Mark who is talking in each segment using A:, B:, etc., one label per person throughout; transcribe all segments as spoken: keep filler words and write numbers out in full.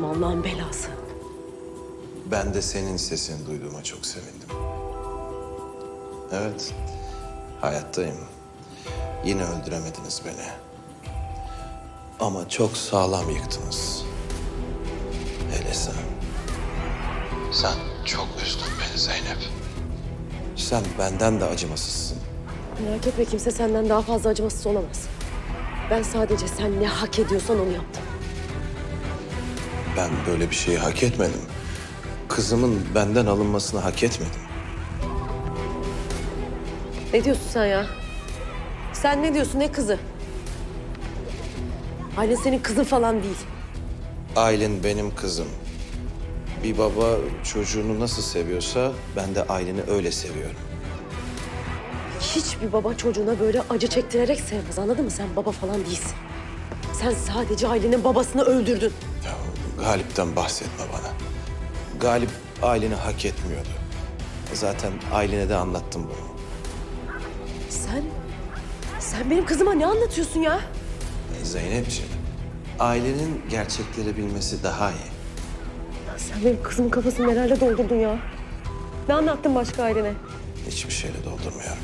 A: Allah'ın belası.
B: Ben de senin sesini duyduğuma çok sevindim. Evet, hayattayım. Yine öldüremediniz beni. Ama çok sağlam yıktınız. Hele sen. Sen çok üzdün beni Zeynep. Sen benden de acımasızsın.
A: Merak etme, kimse senden daha fazla acımasız olamaz. Ben sadece sen ne hak ediyorsan onu yaptım.
B: Ben böyle bir şeyi hak etmedim. Kızımın benden alınmasını hak etmedim.
A: Ne diyorsun sen ya? Sen ne diyorsun, ne kızı? Aylin senin kızın falan değil.
B: Aylin benim kızım. Bir baba çocuğunu nasıl seviyorsa ben de Aylin'i öyle seviyorum.
A: Hiçbir baba çocuğuna böyle acı çektirerek sevmez, anladın mı? Sen baba falan değilsin. Sen sadece Aylin'in babasını öldürdün.
B: Ya, Galip'ten bahsetme bana. Galip Aylin'i hak etmiyordu. Zaten Aylin'e de anlattım bunu.
A: Sen, sen benim kızıma ne anlatıyorsun ya?
B: Zeynepciğim, Aylin'in gerçekleri bilmesi daha iyi.
A: Sen benim kızımın kafasını nelerle doldurdun ya? Ne anlattın başka Aylin'e?
B: Hiçbir şeyle doldurmuyorum.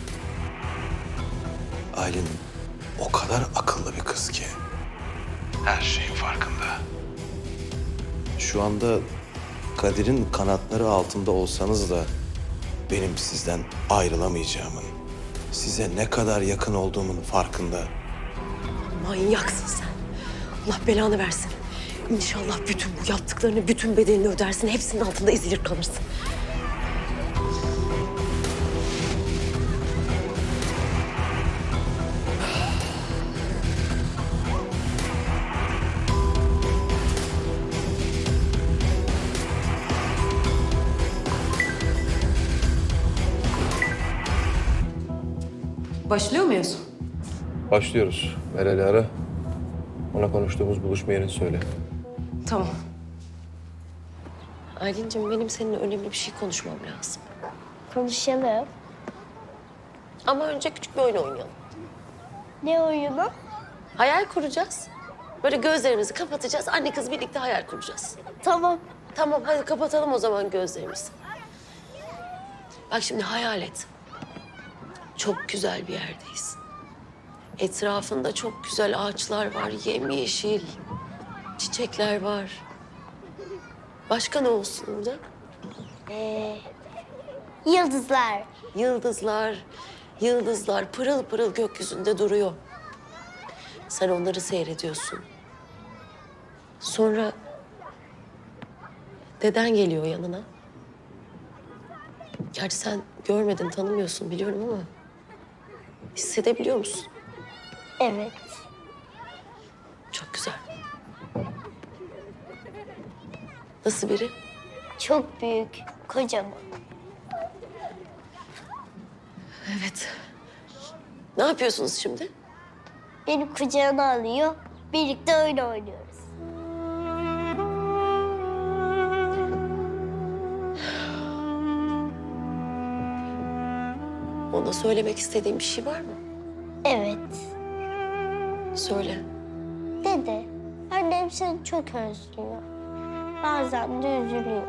B: Aylin o kadar akıllı bir kız ki. Her şeyin farkında. Şu anda Kadir'in kanatları altında olsanız da benim sizden ayrılamayacağımın, size ne kadar yakın olduğumun farkında.
A: Manyaksın sen. Allah belanı versin. İnşallah bütün bu yaptıklarını, bütün bedelini ödersin. Hepsinin altında ezilir kalırsın.
C: Başlıyor muyuz?
D: Başlıyoruz. Meral'i ara. Ona konuştuğumuz buluşma yerini söyle.
C: Tamam.
A: Aylin'cim, benim seninle önemli bir şey konuşmam lazım.
E: Konuşalım.
A: Ama önce küçük bir oyun oynayalım.
E: Ne oyunu?
A: Hayal kuracağız. Böyle gözlerimizi kapatacağız. Anne kız birlikte hayal kuracağız.
E: Tamam.
A: Tamam, hadi kapatalım o zaman gözlerimizi. Bak şimdi hayal et. Çok güzel bir yerdeyiz. Etrafında çok güzel ağaçlar var, yemyeşil. Çiçekler var. Başka ne olsun burada?
E: Ee, yıldızlar.
A: Yıldızlar, yıldızlar pırıl pırıl gökyüzünde duruyor. Sen onları seyrediyorsun. Sonra deden geliyor yanına. Gerçi sen görmedin, tanımıyorsun biliyorum ama hissedebiliyor musun?
E: Evet.
A: Çok güzel. Nasıl biri?
E: Çok büyük, kocaman.
A: Evet. Ne yapıyorsunuz şimdi?
E: Beni kucağına alıyor. Birlikte oyun oynuyoruz.
A: Ona söylemek istediğin bir şey var mı?
E: Evet.
A: Söyle.
E: Dede, annem seni çok özlüyor. Bazen de üzülüyor.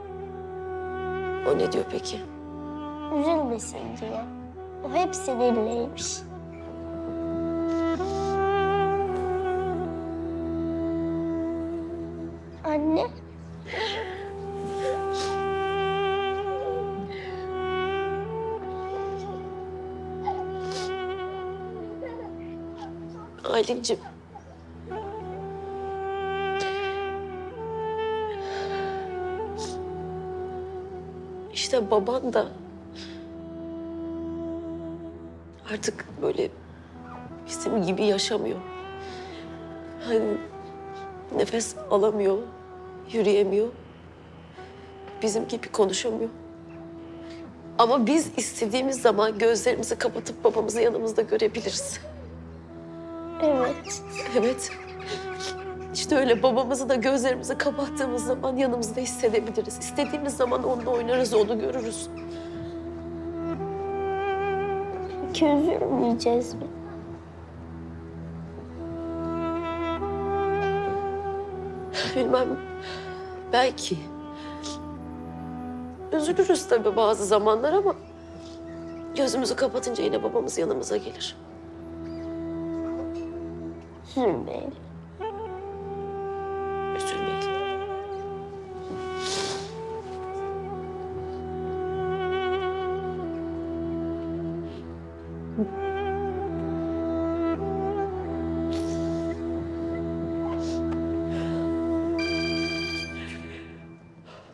A: O ne diyor peki?
E: Üzülmesin diye. O hep seninleymiş. Anne.
A: Aylin'cim. İşte baban da artık böyle bizim gibi yaşamıyor. Hani nefes alamıyor, yürüyemiyor. Bizim gibi konuşamıyor. Ama biz istediğimiz zaman gözlerimizi kapatıp babamızı yanımızda görebiliriz.
E: Evet.
A: Evet. İşte öyle babamızı da gözlerimizi kapattığımız zaman yanımızda hissedebiliriz. İstediğimiz zaman onunla oynarız, onu görürüz.
E: Peki üzülmeyeceğiz mi?
A: Bilmem. Belki. Üzülürüz tabii bazı zamanlar ama gözümüzü kapatınca yine babamız yanımıza gelir.
E: Üzülmeyin.
A: Üzülmeyin.